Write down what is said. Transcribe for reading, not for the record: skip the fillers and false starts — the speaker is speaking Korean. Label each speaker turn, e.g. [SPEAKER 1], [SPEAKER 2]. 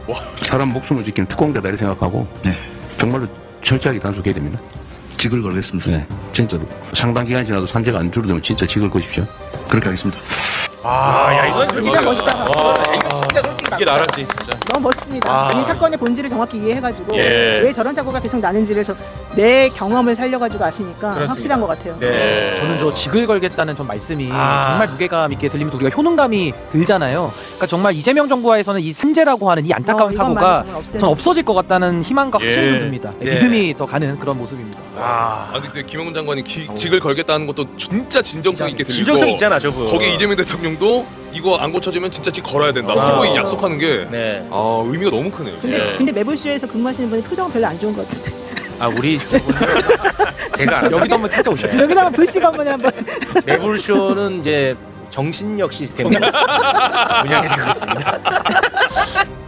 [SPEAKER 1] 사람 목숨을 지키는 특공대다 이렇게 생각하고
[SPEAKER 2] 네.
[SPEAKER 1] 정말로 철저하게 단속해야 됩니다.
[SPEAKER 2] 직을 걸겠습니다.
[SPEAKER 1] 네, 진짜로 상당 기간 지나도 산재가 안 줄어들면 진짜 직을 거십시오.
[SPEAKER 2] 그렇게 하겠습니다.
[SPEAKER 3] 야 이건
[SPEAKER 4] 진짜 멋있다.
[SPEAKER 3] 이거 진짜 솔직히 이게 나라지 진짜.
[SPEAKER 4] 너무 멋있습니다. 이 사건의 본질을 정확히 이해해가지고
[SPEAKER 3] 예.
[SPEAKER 4] 왜 저런 사고가 계속 나는지를 내 경험을 살려가지고 아시니까
[SPEAKER 3] 그렇습니다.
[SPEAKER 4] 확실한 것 같아요.
[SPEAKER 3] 네.
[SPEAKER 5] 저는 저 직을 걸겠다는 전 말씀이 정말 무게감 있게 들리면서 우리가 효능감이 들잖아요. 그러니까 정말 이재명 정부하에서는 이 산재라고 하는 이 안타까운 사고가 전 없어질 것 같다는 희망과 확신이
[SPEAKER 3] 예.
[SPEAKER 5] 듭니다.
[SPEAKER 3] 예.
[SPEAKER 5] 믿음이 더 가는 그런 모습입니다.
[SPEAKER 6] 근데 김영훈 장관이 직을 걸겠다는 것도 진짜 진정성 있게 들리고
[SPEAKER 3] 진정성 있잖아 저분.
[SPEAKER 6] 거기 이재명 대통령도 이거 안 고쳐지면 진짜 직 걸어야 된다.
[SPEAKER 3] 아.
[SPEAKER 6] 후보에 약속하는 게
[SPEAKER 3] 네.
[SPEAKER 6] 의미가 너무 크네요.
[SPEAKER 4] 근데 매불쇼에서 근무하시는 분이 표정은 별로 안 좋은 것 같은데.
[SPEAKER 3] 우리 제가 알아서
[SPEAKER 5] 여기도 한번 찾아오세요.
[SPEAKER 4] 여기다 한번 불씨가 한번 한번.
[SPEAKER 3] 매불쇼는 이제 정신력 시스템 운영해드리고 있습니다.